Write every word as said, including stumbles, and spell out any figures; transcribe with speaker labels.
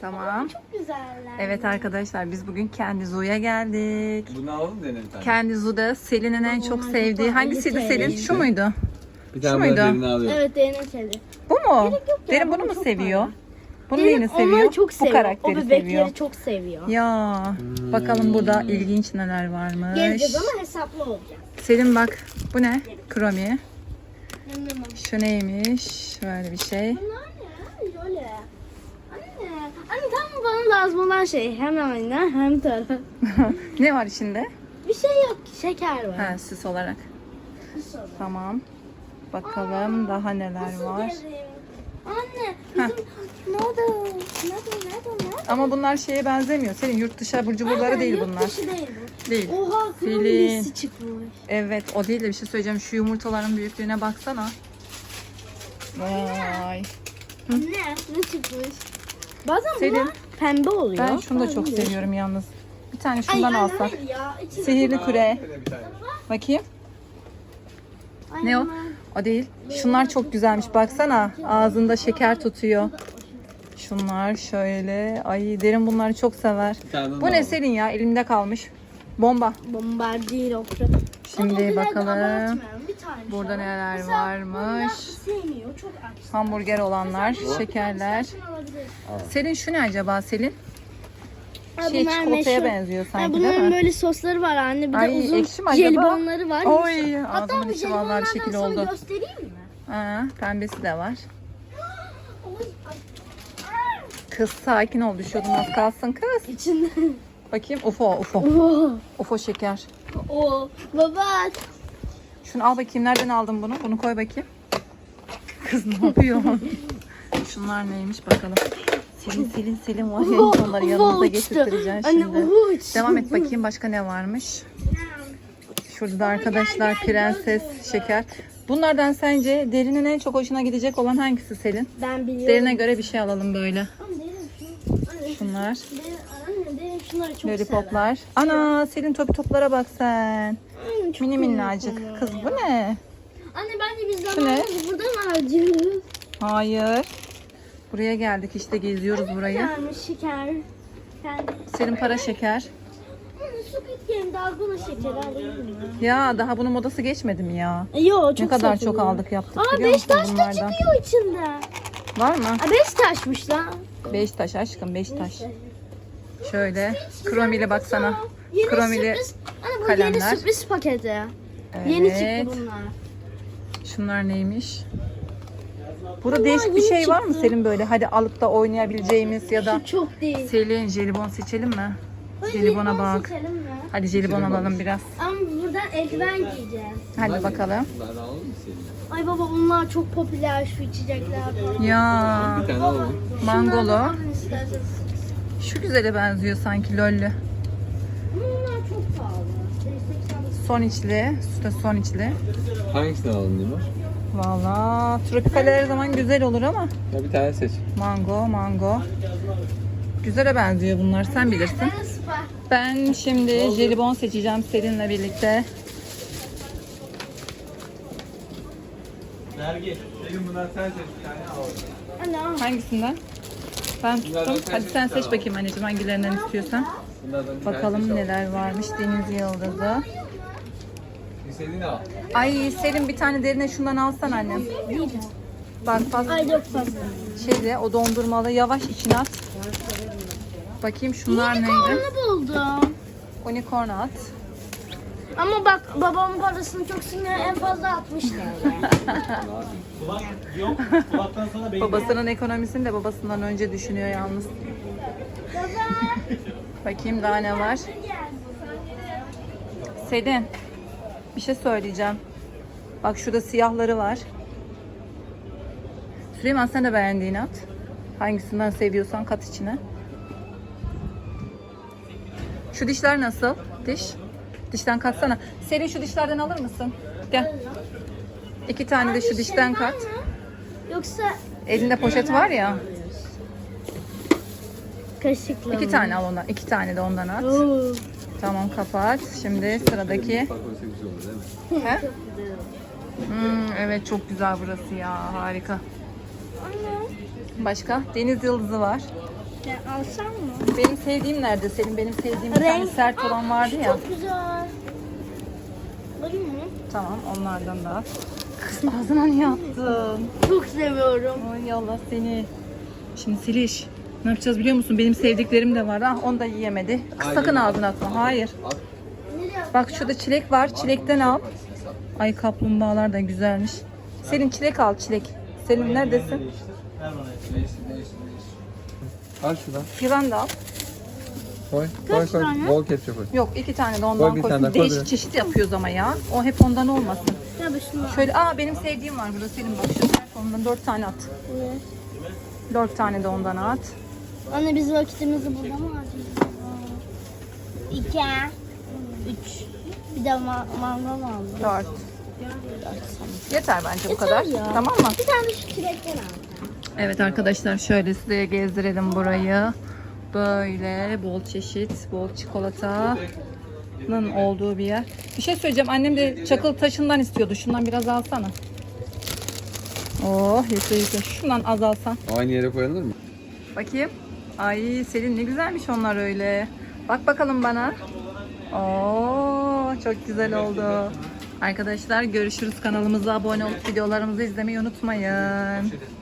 Speaker 1: Tamam.
Speaker 2: Çok güzeller.
Speaker 1: Evet arkadaşlar biz bugün Kendi Zoo'ya geldik.
Speaker 3: Bunu alalım dene bir tane.
Speaker 1: Kendi Zoo'da Selin'in en çok
Speaker 2: Onlar
Speaker 1: sevdiği
Speaker 2: çok
Speaker 1: hangisiydi
Speaker 2: pahalı
Speaker 1: Selin?
Speaker 2: Selin.
Speaker 1: Şu muydu?
Speaker 3: Bir
Speaker 1: Şu
Speaker 3: tane
Speaker 1: muydu?
Speaker 3: ben derini alıyorum.
Speaker 2: Evet Derin sevdi.
Speaker 1: Bu mu?
Speaker 2: Gerek yok ya,
Speaker 1: Derin
Speaker 2: bana
Speaker 1: bunu mu
Speaker 2: çok
Speaker 1: seviyor?
Speaker 2: pahalı.
Speaker 1: Bunu
Speaker 2: Derin
Speaker 1: neyini seviyor?
Speaker 2: onları çok
Speaker 1: Bu
Speaker 2: seviyor.
Speaker 1: karakteri
Speaker 2: O bebekleri
Speaker 1: seviyor.
Speaker 2: çok seviyor.
Speaker 1: Ya bakalım burada ilginç neler varmış.
Speaker 2: Geleceğiz ama hesaplı olacak.
Speaker 1: Selin bak bu ne? Kromi.
Speaker 2: Anlamam.
Speaker 1: Şu neymiş? Şöyle bir şey.
Speaker 2: Bunlar ne? Öyle. Anne. Anne tam bana lazım olan şey. Hem ayna hem taraf.
Speaker 1: Ne var içinde?
Speaker 2: Bir şey yok. Şeker var.
Speaker 1: Ha, süs olarak.
Speaker 2: Bir soda.
Speaker 1: Tamam. Bakalım daha neler
Speaker 2: Nasıl
Speaker 1: var.
Speaker 2: derim? Anne bizim noodle. Noodle noodle noodle.
Speaker 1: Ama bunlar şeye benzemiyor. Senin yurt dışı abur cuburları
Speaker 2: Aynen,
Speaker 1: değil
Speaker 2: yurt
Speaker 1: bunlar.
Speaker 2: dışı değil bu.
Speaker 1: Değil.
Speaker 2: Oha
Speaker 1: Selin.
Speaker 2: kırmızısı çıkmış.
Speaker 1: Evet o değil de bir şey söyleyeceğim. Şu yumurtaların büyüklüğüne baksana. Vay.
Speaker 2: Anne ne çıkmış? Bazen
Speaker 1: Selin,
Speaker 2: bunlar pembe oluyor.
Speaker 1: Ben şunu da çok
Speaker 2: Bazen
Speaker 1: seviyorum yalnız. Bir tane
Speaker 2: Ay,
Speaker 1: şundan
Speaker 2: ay,
Speaker 1: alsak.
Speaker 2: hayır ya, içine
Speaker 1: Sihirli
Speaker 2: çok-
Speaker 1: küre.
Speaker 3: Şöyle bir tane.
Speaker 1: Bakayım.
Speaker 2: Ay,
Speaker 1: Ne o?
Speaker 2: aman.
Speaker 1: O değil. Şunlar çok güzelmiş. Baksana. Ağzında şeker tutuyor. Şunlar şöyle. Ay Derin bunları çok sever.
Speaker 3: Bir tane
Speaker 1: Bu
Speaker 3: daha
Speaker 1: ne
Speaker 3: alalım.
Speaker 1: Selin ya? Elimde kalmış. Bomba.
Speaker 2: Bombardier okra.
Speaker 1: Şimdi
Speaker 2: Ama o kadar da
Speaker 1: bakalım.
Speaker 2: abartmayalım, bir tane
Speaker 1: Burada
Speaker 2: şu an.
Speaker 1: neler
Speaker 2: Mesela
Speaker 1: varmış.
Speaker 2: bunlar sevmiyor, çok aç.
Speaker 1: Hamburger olanlar,
Speaker 2: Mesela
Speaker 1: şekerler.
Speaker 2: şunu alabiliriz.
Speaker 1: Selin şu ne acaba Selin?
Speaker 2: Ha,
Speaker 1: Şey
Speaker 2: bunlar
Speaker 1: çikolataya
Speaker 2: meşhur.
Speaker 1: benziyor
Speaker 2: Ha,
Speaker 1: sanki değil
Speaker 2: bunların
Speaker 1: mi?
Speaker 2: böyle sosları var anne. Bir
Speaker 1: Ay,
Speaker 2: de uzun
Speaker 1: ekşi mi acaba?
Speaker 2: jelibonları var.
Speaker 1: Oy,
Speaker 2: Hatta
Speaker 1: ağzımın
Speaker 2: bu
Speaker 1: içi vallahi bir
Speaker 2: jelibonlardan
Speaker 1: şekil
Speaker 2: sana
Speaker 1: oldu.
Speaker 2: göstereyim mi?
Speaker 1: Aa, pembesi de var.
Speaker 2: Oy, ay.
Speaker 1: Kız sakin ol, düşüyordun az kalsın kız.
Speaker 2: İçinde.
Speaker 1: Bakayım ufo ufo.
Speaker 2: Oo.
Speaker 1: Ufo şeker.
Speaker 2: Oo. Baba.
Speaker 1: Şunu al bakayım, nereden aldın bunu? Bunu koy bakayım. Kız ne yapıyor? Şunlar neymiş bakalım. Selin Selin Selin var ya, onları yanımıza getirtireceksin
Speaker 2: Anne
Speaker 1: şimdi.
Speaker 2: uhu uçtu.
Speaker 1: Devam et bakayım başka ne varmış. Şurada da arkadaşlar prenses şeker. Bunlardan sence Derin'in en çok hoşuna gidecek olan hangisi Selin?
Speaker 2: Ben biliyorum.
Speaker 1: Derin'e göre bir şey alalım böyle.
Speaker 2: Anne, derin şunu- Anne,
Speaker 1: Şunlar.
Speaker 2: derin- Anne derin şunları çok sever.
Speaker 1: Lollipoplar. Ana Selin topi toplara bak sen.
Speaker 2: Anne, çok
Speaker 1: Mini
Speaker 2: komik
Speaker 1: minnacık.
Speaker 2: onlar
Speaker 1: Kız
Speaker 2: ya.
Speaker 1: bu ne?
Speaker 2: Anne bence biz
Speaker 1: Şu ne?
Speaker 2: zamanımızı burada mı harcıyoruz?
Speaker 1: Hayır. Buraya geldik işte geziyoruz burayı.
Speaker 2: Yani şeker. Kendi.
Speaker 1: Selin para şeker.
Speaker 2: Anne Squid Game dalgona şekeri alayım mı?
Speaker 1: Ya daha bunun modası geçmedi mi ya?
Speaker 2: E, Yo çok
Speaker 1: Ne kadar
Speaker 2: satılıyor.
Speaker 1: çok aldık yaptık
Speaker 2: Aa
Speaker 1: biliyor
Speaker 2: beş
Speaker 1: musun
Speaker 2: taş da
Speaker 1: bunlardan?
Speaker 2: çıkıyor içinde.
Speaker 1: Var mı?
Speaker 2: Aa beş taşmış lan.
Speaker 1: Beş taş aşkım beş taş.
Speaker 2: Neyse.
Speaker 1: Şöyle kromili baksana.
Speaker 2: Yeni
Speaker 1: Kromili
Speaker 2: sürpriz. Anne bu
Speaker 1: kalemler.
Speaker 2: yeni sürpriz paketi. Yeni
Speaker 1: Evet.
Speaker 2: çıktı bunlar.
Speaker 1: Şunlar neymiş? Burada
Speaker 2: Bunlar
Speaker 1: değişik bir
Speaker 2: yeni
Speaker 1: şey var mı
Speaker 2: çıktı.
Speaker 1: Selin böyle? Hadi alıp da oynayabileceğimiz ya da
Speaker 2: Şu çok değil.
Speaker 1: Selin jelibon seçelim mi?
Speaker 2: Hadi
Speaker 1: Jelibona
Speaker 2: jelibon
Speaker 1: bak.
Speaker 2: seçelim mi?
Speaker 1: Hadi jelibon alalım biraz.
Speaker 2: Ama buradan eldiven giyeceğiz.
Speaker 1: Hadi bakalım.
Speaker 3: Bunlardan alalım mı senin?
Speaker 2: Ay baba bunlar çok popüler şu içecekler falan.
Speaker 1: Ya
Speaker 3: Bir tane alalım.
Speaker 1: mangolu.
Speaker 2: Şunlardan alın isterseniz.
Speaker 1: Şu güzele benziyor sanki lollü.
Speaker 2: Ama bunlar çok pahalı.
Speaker 1: Son içli. Süte son içli.
Speaker 3: Hangisini alalım Dimar?
Speaker 1: Valla tropikal her zaman güzel olur ama
Speaker 3: Ya bir tane seç.
Speaker 1: mango mango. Güzele benziyor bunlar sen bilirsin.
Speaker 2: Ben süper.
Speaker 1: Ben şimdi jelibon seçeceğim Selin'le birlikte.
Speaker 3: Dergi. Senin bundan sen seç bir tane al.
Speaker 2: Ana.
Speaker 1: Hangisinden? Ben
Speaker 3: Bunlardan
Speaker 1: tuttum.
Speaker 3: sen
Speaker 1: Hadi
Speaker 3: seç,
Speaker 1: sen seç
Speaker 3: tamam.
Speaker 1: bakayım anneciğim hangilerinden istiyorsan.
Speaker 3: Bunlardan bir tane
Speaker 1: Bakalım
Speaker 3: seç al.
Speaker 1: neler varmış deniz yıldızı.
Speaker 3: İstediğini al.
Speaker 1: Ay Selin bir tane derine şundan alsan annem. Bak fazla
Speaker 2: Ay çok fazla.
Speaker 1: şeyde o dondurmalı yavaş içine at. Bakayım şunlar neydi?
Speaker 2: Unicorn'u buldum.
Speaker 1: Unicorn at.
Speaker 2: Ama bak babamın parasını çok sinir en fazla altmış lira.
Speaker 4: Kulak yok. Kulaktan sana beyin.
Speaker 1: Babasının ekonomisini de babasından önce düşünüyor yalnız. Bakayım daha ne var. Selin bir şey söyleyeceğim. Bak şurada siyahları var. Süleyman sen de beğendiğini at. Hangisinden seviyorsan kat içine. Şu dişler nasıl? Diş. Dişten katsana. Selin şu dişlerden alır mısın? Gel. İki tane de şu dişten kat.
Speaker 2: Yoksa
Speaker 1: Elinde poşet var ya.
Speaker 2: kaşıkla
Speaker 1: İki
Speaker 2: mı?
Speaker 1: tane al ondan. İki tane de ondan at.
Speaker 2: Oo.
Speaker 1: Tamam kapat. Şimdi sıradaki.
Speaker 3: Bak orası güzel olur değil mi?
Speaker 1: He? Hmm, evet çok güzel burası ya. Harika.
Speaker 2: Anne.
Speaker 1: Başka? Deniz yıldızı var.
Speaker 2: Ya alsam mı?
Speaker 1: Benim sevdiğim nerede Selin? Benim sevdiğim bir tane
Speaker 2: Renk-
Speaker 1: sert olan
Speaker 2: Aa,
Speaker 1: vardı
Speaker 2: şu
Speaker 1: ya.
Speaker 2: Çok güzel. Bakayım mı?
Speaker 1: Tamam onlardan da. Kız ağzına niye attın?
Speaker 2: Çok seviyorum.
Speaker 1: Ay Allah seni. Şimdi Siliş. Ne yapacağız biliyor musun? Benim sevdiklerim de var. Ah onu da yiyemedi. Kız
Speaker 3: Hayır,
Speaker 1: sakın
Speaker 3: yemedi.
Speaker 1: ağzına atma. Hayır.
Speaker 3: Al.
Speaker 1: Bak şurada çilek var. Çilekten al. Ay kaplumbağalar da güzelmiş. Selin çilek al çilek. Selin neredesin?
Speaker 4: Değiştir. Ver bana.
Speaker 3: Değiştir, değiştir, değiştir. Al şuradan.
Speaker 1: Yılan da al.
Speaker 3: Koy, koy, koy.
Speaker 2: tane?
Speaker 3: Bol ketçap koy.
Speaker 1: Yok iki tane de ondan
Speaker 3: Koy bir
Speaker 1: koy.
Speaker 3: tane daha, koy
Speaker 1: Değişik
Speaker 3: biraz.
Speaker 1: çeşit yapıyoruz ama ya. O hep ondan olmasın.
Speaker 2: Ya bir şunu al.
Speaker 1: Şöyle aa benim sevdiğim var burada Selin bak şu sert ondan dört tane at.
Speaker 2: Evet.
Speaker 1: Dört tane de ondan at.
Speaker 2: Anne biz vakitimizi burada mı harcayacağız? İki. Üç. Bir de ma mangal aldım.
Speaker 1: Dört. Yeter bence bu
Speaker 2: Yeter
Speaker 1: kadar.
Speaker 2: ya.
Speaker 1: Tamam mı?
Speaker 2: Bir tane de şu çilekten al.
Speaker 1: Evet arkadaşlar şöyle size gezdirelim burayı. Böyle bol çeşit, bol çikolatanın olduğu bir yer. Bir şey söyleyeceğim. Annem de çakıl taşından istiyordu. Şundan biraz alsana. Oh yeter yeter. Şundan az alsan.
Speaker 3: Aynı yere koyulur mu?
Speaker 1: Bakayım. Ay Selin ne güzelmiş onlar öyle. Bak bakalım bana. Oo çok güzel oldu. Arkadaşlar görüşürüz. Kanalımıza abone olup videolarımızı izlemeyi unutmayın.